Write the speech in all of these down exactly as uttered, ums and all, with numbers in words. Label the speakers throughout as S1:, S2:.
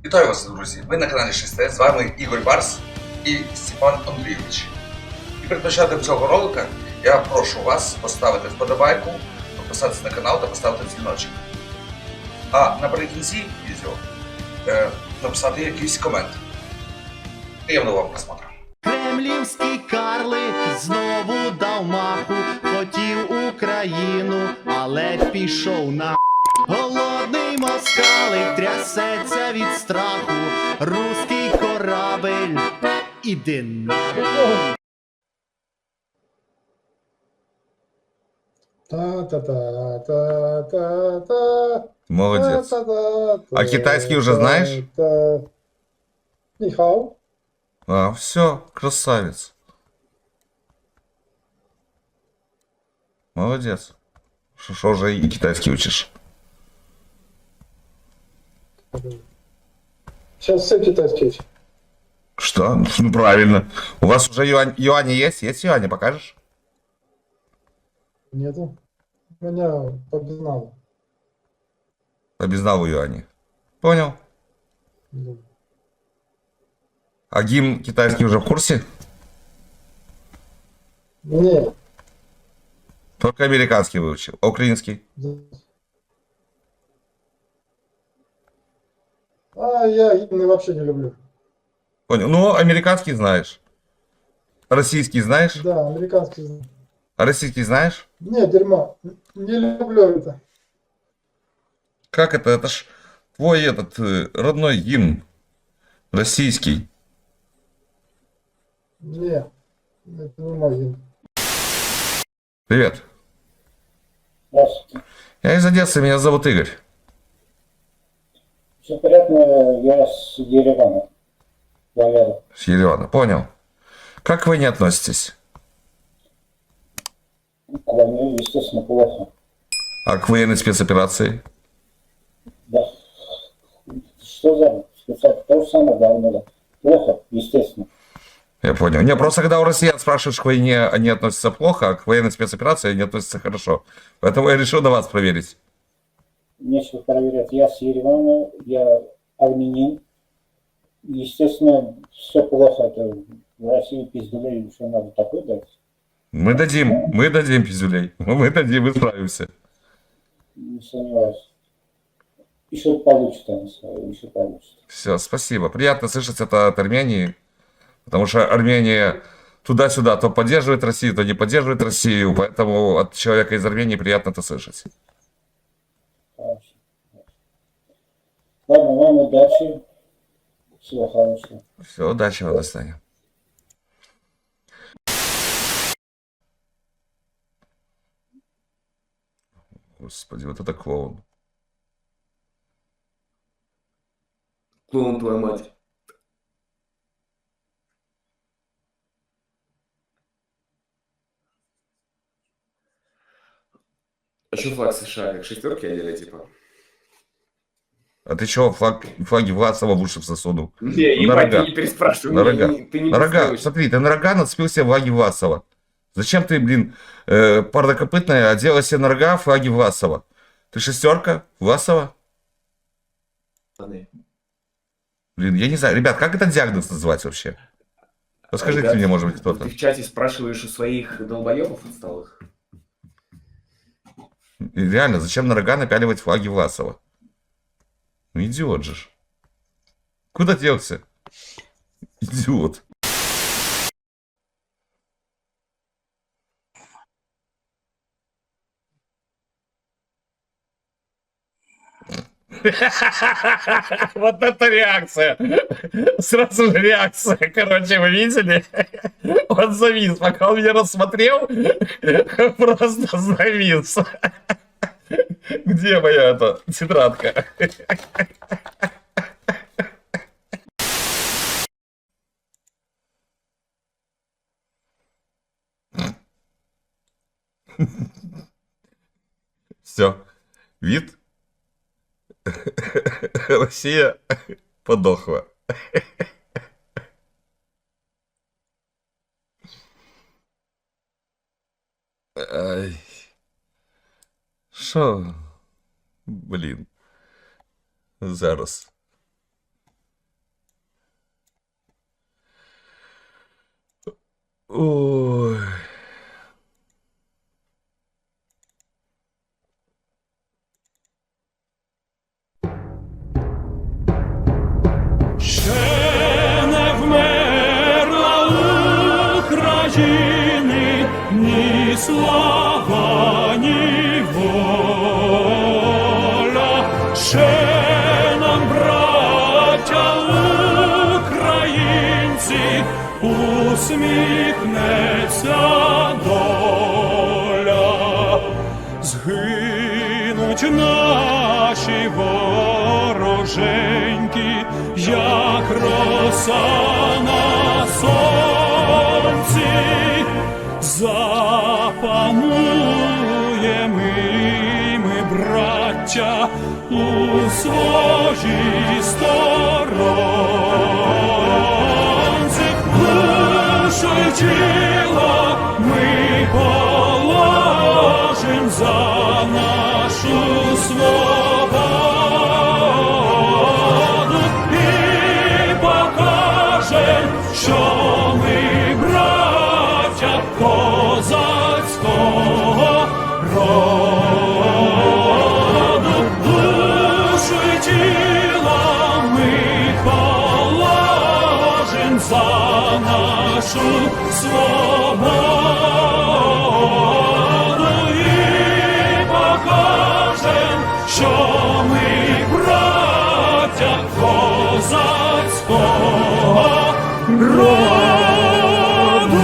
S1: Вітаю вас, друзі! Ви на каналі шість Т, з вами Ігор Барс і Степан Андрійович. І перед початком цього ролика я прошу вас поставити вподобайку, підписатися на канал та поставити дзвіночок. А наприкінці відео е, написати якийсь комент. Приємного вам просмотру.
S2: Кремлівський карлик знову дав маху, хотів Україну, але пішов на. Голодний москалик трясеться від страху, руський корабель, іди на.
S3: Та-та-та-та-та-та.
S4: Молодец.
S3: Та-та-та-та.
S4: А китайский уже знаешь?
S3: Та. Нихао.
S4: А, все, красавец. Молодец. Что уже и китайский учишь?
S3: Сейчас все китайские учат.
S4: Что? Ну правильно. У вас уже юань, юани есть? Есть юани, покажешь?
S3: Нету. У меня по безналу.
S4: По безналу юани. Понял.
S3: Да.
S4: А гимн китайский уже в курсе?
S3: Не.
S4: Только американский выучил. А украинский?
S3: А я гимны вообще не люблю.
S4: Понял. Ну, американский знаешь. Российский знаешь?
S3: Да, американский. знаю.
S4: А российский знаешь?
S3: Не, дерьмо. Не люблю это.
S4: Как это? Это ж твой этот э, родной гимн. Российский.
S3: Не. Это не мой гимн.
S4: Привет.
S5: Здравствуйте.
S4: Я из Одессы, меня зовут Игорь.
S5: Все понятно, я с Еревана. Валера.
S4: С Еревана. Понял. Как к войне относитесь?
S5: К войне, естественно, плохо.
S4: А к военной спецоперации?
S5: Да. Что за специально? То же самое, да, надо. Плохо, естественно.
S4: Я понял. Не, просто когда у россиян спрашиваешь, к войне они относятся плохо, а к военной спецоперации они относятся хорошо. Поэтому я решил на вас проверить.
S5: Нечего проверять. Я с Еревана, я армянин. Естественно, все плохо. Это в России пиздулей еще надо такой дать.
S4: Мы дадим, мы дадим пиздюлей. Мы дадим, мы справимся.
S5: Не сомневаюсь. Еще получится, они сказали, еще получится.
S4: Все, спасибо. Приятно слышать это от Армении. Потому что Армения туда-сюда то поддерживает Россию, то не поддерживает Россию. Поэтому от человека из Армении приятно это слышать.
S5: Хорошо. Ладно, вам удачи. Всего хорошего.
S4: Все, удачи вам, до свидания. Господи, вот это клоун.
S6: Клоун, твою мать. А что флаг США, как шестерки или типа?
S4: А ты чего флаг, флаги Власова в уши засунул?
S6: Не,
S4: На
S6: ебать,
S4: рога.
S6: ты не переспрашивай.
S4: На
S6: не-
S4: рога.
S6: не- Ты не
S4: На рога.
S6: представляешь.
S4: Смотри, ты на рога нацепил себе флаги Власова. Зачем ты, блин, э, парнокопытная, одела себе на рога флаги Власова? Ты шестерка Власова?
S6: Пацаны.
S4: Блин, я не знаю. Ребят, как этот диагноз называть вообще? Расскажите
S6: Ребят,
S4: мне, может быть, кто-то.
S6: Ты в чате спрашиваешь у своих долбоебов отсталых?
S4: И реально, зачем на рога напяливать флаги Власова? Ну, идиот же ж. Куда делся? Идиот. Вот это реакция. Сразу же реакция. Короче, вы видели? Он завис. Пока он меня рассмотрел, просто завис. Где моя эта тетрадка? Все. Вид. Россия подохла. Ай. Шо? Блін. Зараз. Ой.
S7: Ще не вмерла України ні слава, ні воля. Ще нам, браття українці, усміхнеться доля. Згинуть наші вороженьки, як роса на сонці, запануєм і ми, браття, у своїй сторонці. Душу й тіло ми положим за нашу свободу і покажем, що ми браття козацького роду. Душу й тіло ми положим за нашу свободу і покажем, що ми браття козацького роду.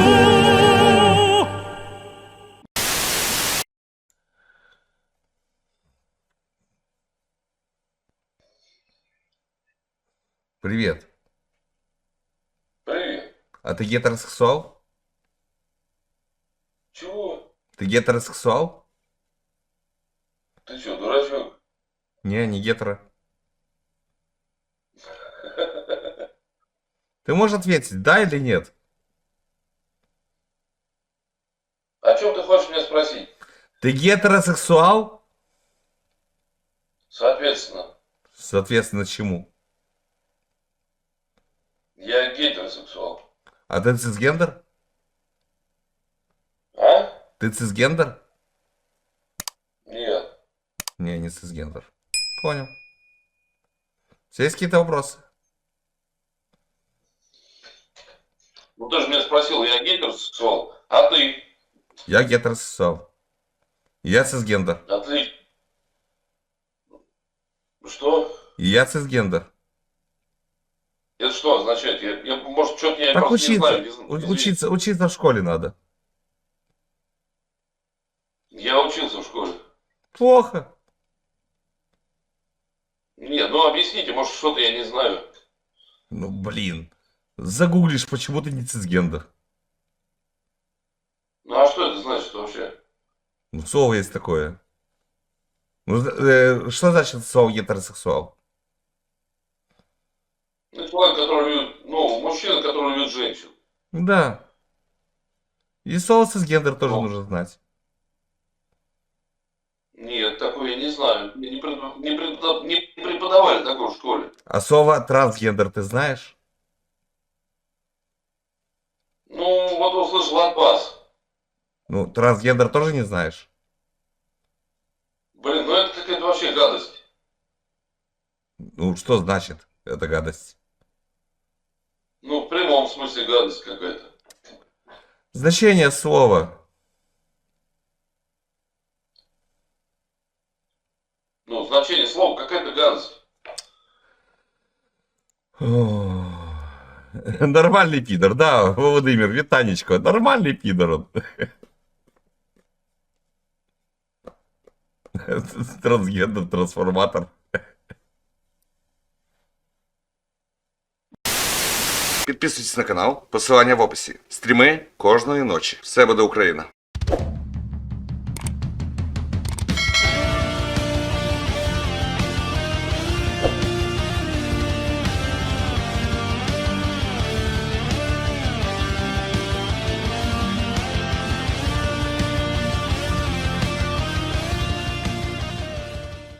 S4: Привет.
S8: Привет.
S4: А ты гетеросексуал?
S8: Чего?
S4: Ты гетеросексуал?
S8: Ты что, дурачок?
S4: Не, не гетеро. Ты можешь ответить, да или нет?
S8: О чем ты хочешь меня спросить?
S4: Ты гетеросексуал?
S8: Соответственно,
S4: Соответственно, чему?
S8: я гетеросексуал.
S4: А ты цисгендер?
S8: А?
S4: Ты цисгендер?
S8: Нет.
S4: Не, не цисгендер. Понял. У тебя есть какие-то вопросы?
S8: Ну ты же меня спросил, я гетеросексуал, а ты?
S4: Я гетеросексуал. Я цисгендер.
S8: Отлично. Что?
S4: И я цисгендер.
S8: Это что означает? Я, я, может, что-то я
S4: Так
S8: просто не
S4: учиться,
S8: знаю. не зн-
S4: у-
S8: извини.
S4: учиться, учиться в школе надо.
S8: Я учился в школе.
S4: Плохо.
S8: Нет, ну объясните, может, что-то я не знаю.
S4: Ну, блин. Загуглишь, почему ты не цисгендер.
S8: Ну а что это значит вообще?
S4: Ну, слово есть такое. Ну, э, что значит слово гетеросексуал?
S8: Ну, человек, который любит, ну, мужчина, который любит женщин.
S4: Да. И слово цисгендер тоже
S8: Ну.
S4: нужно знать.
S8: Нет, такое я не знаю. Мне не, препод- не препод- не преподавали такое в школе.
S4: А слово трансгендер ты знаешь?
S8: Ну, вот услышал от вас.
S4: Ну, трансгендер тоже не знаешь?
S8: Блин, ну это какая-то вообще гадость.
S4: Ну, что значит эта гадость?
S8: Ну, в прямом смысле гадость какая-то.
S4: Значение слова.
S8: Ну, значение слова какая-то гадость.
S4: О, нормальный пидор, да, Владимир, Витанечко, нормальный пидор он. Трансгендер, трансформатор. Підписуйтесь на канал, посилання в описі. Стріми кожної ночі. Все буде Україна.